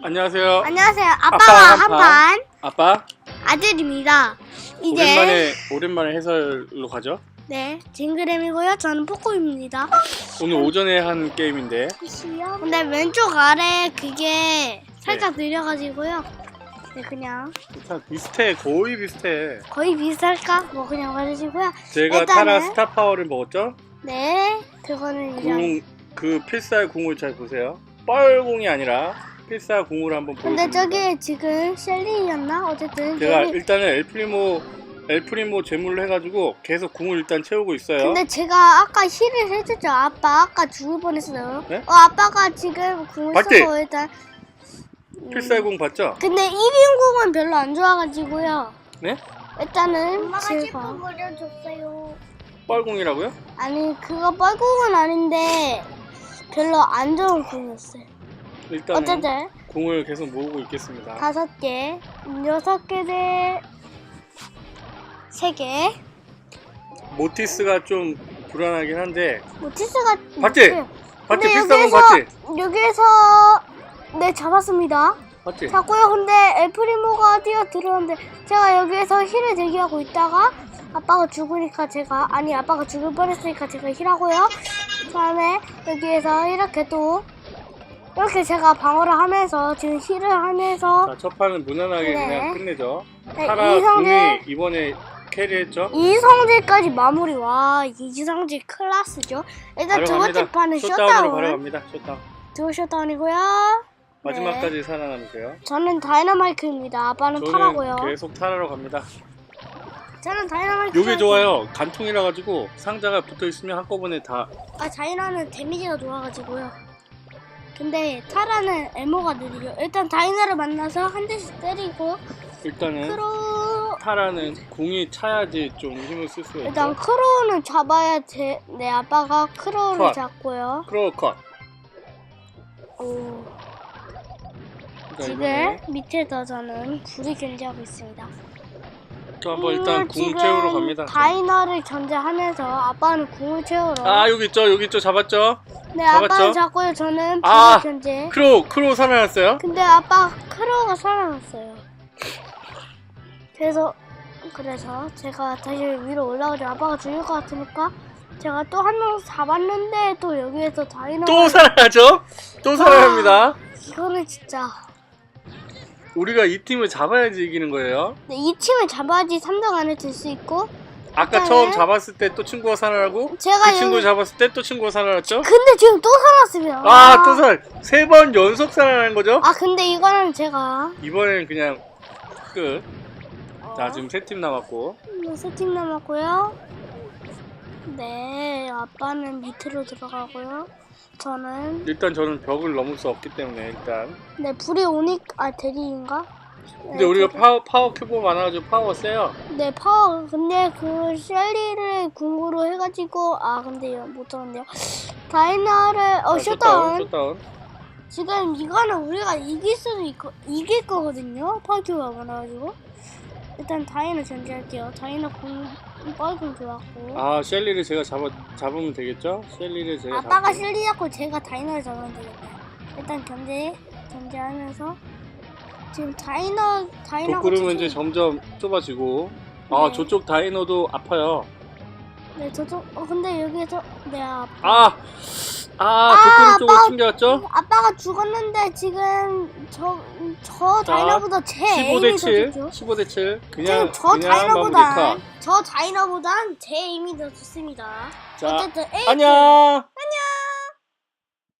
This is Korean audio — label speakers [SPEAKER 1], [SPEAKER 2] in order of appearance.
[SPEAKER 1] 안녕하세요.
[SPEAKER 2] 안녕하세요.
[SPEAKER 1] 아빠가
[SPEAKER 2] 아빠가 한판
[SPEAKER 1] 아빠
[SPEAKER 2] 아들입니다. 이제
[SPEAKER 1] 오랜만에 해설로 가죠.
[SPEAKER 2] 네, 징그램이고요. 저는 포코입니다.
[SPEAKER 1] 오늘 오전에 한 게임인데.
[SPEAKER 2] 근데 왼쪽 아래 그게 살짝 느려가지고요. 네, 그냥
[SPEAKER 1] 비슷해, 거의 비슷해.
[SPEAKER 2] 거의 비슷할까? 뭐 그냥 말해주고요.
[SPEAKER 1] 제가
[SPEAKER 2] 일단은-
[SPEAKER 1] 타라 스타 파워를 먹었죠.
[SPEAKER 2] 네, 그거는 이제.
[SPEAKER 1] 그 필살 궁을 잘 보세요. 뻘궁이 아니라 필살 궁을 한번
[SPEAKER 2] 근데
[SPEAKER 1] 보여드립니다.
[SPEAKER 2] 저기 지금 셀린이었나? 어쨌든
[SPEAKER 1] 제가
[SPEAKER 2] 저기.
[SPEAKER 1] 일단은 엘프리모 제물로 해가지고 계속 궁을 일단 채우고 있어요.
[SPEAKER 2] 근데 제가 아까 힐을 해줬죠. 아까 죽을 뻔했어요.
[SPEAKER 1] 네?
[SPEAKER 2] 아빠가 지금 궁을
[SPEAKER 1] 맞지?
[SPEAKER 2] 쓰고 일단.
[SPEAKER 1] 필살궁 봤죠?
[SPEAKER 2] 근데 1인궁은 별로 안 좋아가지고요.
[SPEAKER 1] 네?
[SPEAKER 2] 일단은
[SPEAKER 3] 엄마가
[SPEAKER 2] 제가
[SPEAKER 3] 셰프 버려줬어요.
[SPEAKER 1] 뻘궁이라고요?
[SPEAKER 2] 아니 그거 뻘궁은 아닌데 별로 안 좋은 궁이었어요.
[SPEAKER 1] 일단은
[SPEAKER 2] 어쨌든
[SPEAKER 1] 궁을 계속 모으고 있겠습니다.
[SPEAKER 2] 5개, 6개 대 3개.
[SPEAKER 1] 모티스가 좀 불안하긴 한데.
[SPEAKER 2] 모티스가
[SPEAKER 1] 봤지?
[SPEAKER 2] 있어요.
[SPEAKER 1] 봤지?
[SPEAKER 2] 근데
[SPEAKER 1] 필살궁 봤지?
[SPEAKER 2] 여기에서 네 잡았습니다.
[SPEAKER 1] 봤지?
[SPEAKER 2] 잡고요. 근데 엘프리모가 뛰어들었는데 제가 여기에서 힐을 대기하고 있다가 아빠가 죽으니까 아빠가 죽을 뻔했으니까 제가 힐하고요. 그 다음에 여기에서 이렇게 제가 방어를 하면서 지금 힐을 하면서
[SPEAKER 1] 자, 첫 판은 무난하게
[SPEAKER 2] 네.
[SPEAKER 1] 그냥 끝내죠.
[SPEAKER 2] 네,
[SPEAKER 1] 타라
[SPEAKER 2] 이성재.
[SPEAKER 1] 궁이 이번에 캐리했죠.
[SPEAKER 2] 이성재까지 마무리. 와, 이성재 클라스죠. 일단
[SPEAKER 1] 바로
[SPEAKER 2] 두 번째
[SPEAKER 1] 갑니다.
[SPEAKER 2] 판은
[SPEAKER 1] 숏다운으로 바로
[SPEAKER 2] 셧다운.
[SPEAKER 1] 갑니다. 숏다운.
[SPEAKER 2] 두 셧다운이고요.
[SPEAKER 1] 마지막까지 살아남으세요.
[SPEAKER 2] 저는 다이너마이크입니다. 아빠는
[SPEAKER 1] 저는
[SPEAKER 2] 타라고요.
[SPEAKER 1] 계속 타라로 갑니다.
[SPEAKER 2] 저는 다이너마이크.
[SPEAKER 1] 요게 좋아요. 간통이라 가지고 상자가 붙어 있으면 한꺼번에 다.
[SPEAKER 2] 다이너는 데미지가 좋아가지고요. 근데 타라는 에모가 느리죠. 일단 다이너를 만나서 한 대씩 때리고
[SPEAKER 1] 일단은
[SPEAKER 2] 크로.
[SPEAKER 1] 타라는 궁이 차야지 좀 힘을 쓸 수가
[SPEAKER 2] 일단
[SPEAKER 1] 있죠.
[SPEAKER 2] 크로우는 잡아야 돼. 네, 아빠가 크로우를
[SPEAKER 1] 컷.
[SPEAKER 2] 잡고요.
[SPEAKER 1] 크로우 컷.
[SPEAKER 2] 오.
[SPEAKER 1] 그러니까
[SPEAKER 2] 지금
[SPEAKER 1] 이번에
[SPEAKER 2] 밑에서 저는 불이 견제하고 있습니다.
[SPEAKER 1] 저 한번 일단 궁
[SPEAKER 2] 지금
[SPEAKER 1] 채우러 갑니다.
[SPEAKER 2] 다이너를 견제하면서 아빠는 궁을 채우러.
[SPEAKER 1] 아, 여기 있죠. 잡았죠?
[SPEAKER 2] 네,
[SPEAKER 1] 잡았죠?
[SPEAKER 2] 아빠는 잡고요. 저는 불
[SPEAKER 1] 아,
[SPEAKER 2] 견제.
[SPEAKER 1] 크로우 살아났어요?
[SPEAKER 2] 근데 아빠 크로우가 살아났어요. 그래서 제가 다시 위로 올라가죠. 아빠가 죽을 것 같으니까 제가 또 한 명 잡았는데 또 여기에서 다이너가
[SPEAKER 1] 또 살아나죠? 또 살아납니다.
[SPEAKER 2] 이거는 진짜.
[SPEAKER 1] 우리가 이 팀을 잡아야지 이기는 거예요.
[SPEAKER 2] 네, 이 팀을 잡아야지 3등 안에 들 수 있고.
[SPEAKER 1] 아까
[SPEAKER 2] 일단은
[SPEAKER 1] 처음 잡았을 때 또 친구가 살아나고
[SPEAKER 2] 제가
[SPEAKER 1] 그 친구 잡았을 때 또 친구가 살아났죠?
[SPEAKER 2] 근데 지금 또 살았습니다.
[SPEAKER 1] 아, 또 3번 연속 살아나는 거죠?
[SPEAKER 2] 근데 이거는 제가
[SPEAKER 1] 이번엔 그냥 끝. 자, 지금 3팀 남았고.
[SPEAKER 2] 3팀 남았고요. 네, 아빠는 밑으로 들어가고요.
[SPEAKER 1] 일단 저는 벽을 넘을 수 없기 때문에 일단.
[SPEAKER 2] 네, 불이 오니까 대리인가?
[SPEAKER 1] 근데
[SPEAKER 2] 네,
[SPEAKER 1] 우리가 파워 큐브 많아가지고 파워 세요.
[SPEAKER 2] 네, 파워. 근데 그 셀리를 궁으로 해가지고 근데 이거 못 들었네요. 다이너를 셧다운.
[SPEAKER 1] 셧다운.
[SPEAKER 2] 지금 이거는 우리가 이길 수도 있고 이길 거거든요. 파워큐가 많아가지고. 일단 다이너 전제할게요. 다이너 뻘궁 좋았고.
[SPEAKER 1] 아, 셸리를 제가 잡으면 되겠죠? 셸리를 제가
[SPEAKER 2] 아빠가
[SPEAKER 1] 잡고.
[SPEAKER 2] 셀리 잡고 제가 다이너를 잡으면 되겠네요. 일단 견제하면서 지금 다이너가
[SPEAKER 1] 독구름은 이제 점점 좁아지고. 아,
[SPEAKER 2] 네.
[SPEAKER 1] 저쪽 다이너도 아파요.
[SPEAKER 2] 네, 저쪽. 근데 여기에서
[SPEAKER 1] 독구름 쪽을 챙겨왔죠?
[SPEAKER 2] 아빠가 죽었는데 지금 저
[SPEAKER 1] 자,
[SPEAKER 2] 다이너보다 제 에임이 더
[SPEAKER 1] 15대7.
[SPEAKER 2] 좋죠.
[SPEAKER 1] 15대7.
[SPEAKER 2] 지금 저 다이너보단 제 에임이 더 좋습니다.
[SPEAKER 1] 자,
[SPEAKER 2] 어쨌든
[SPEAKER 1] 안녕!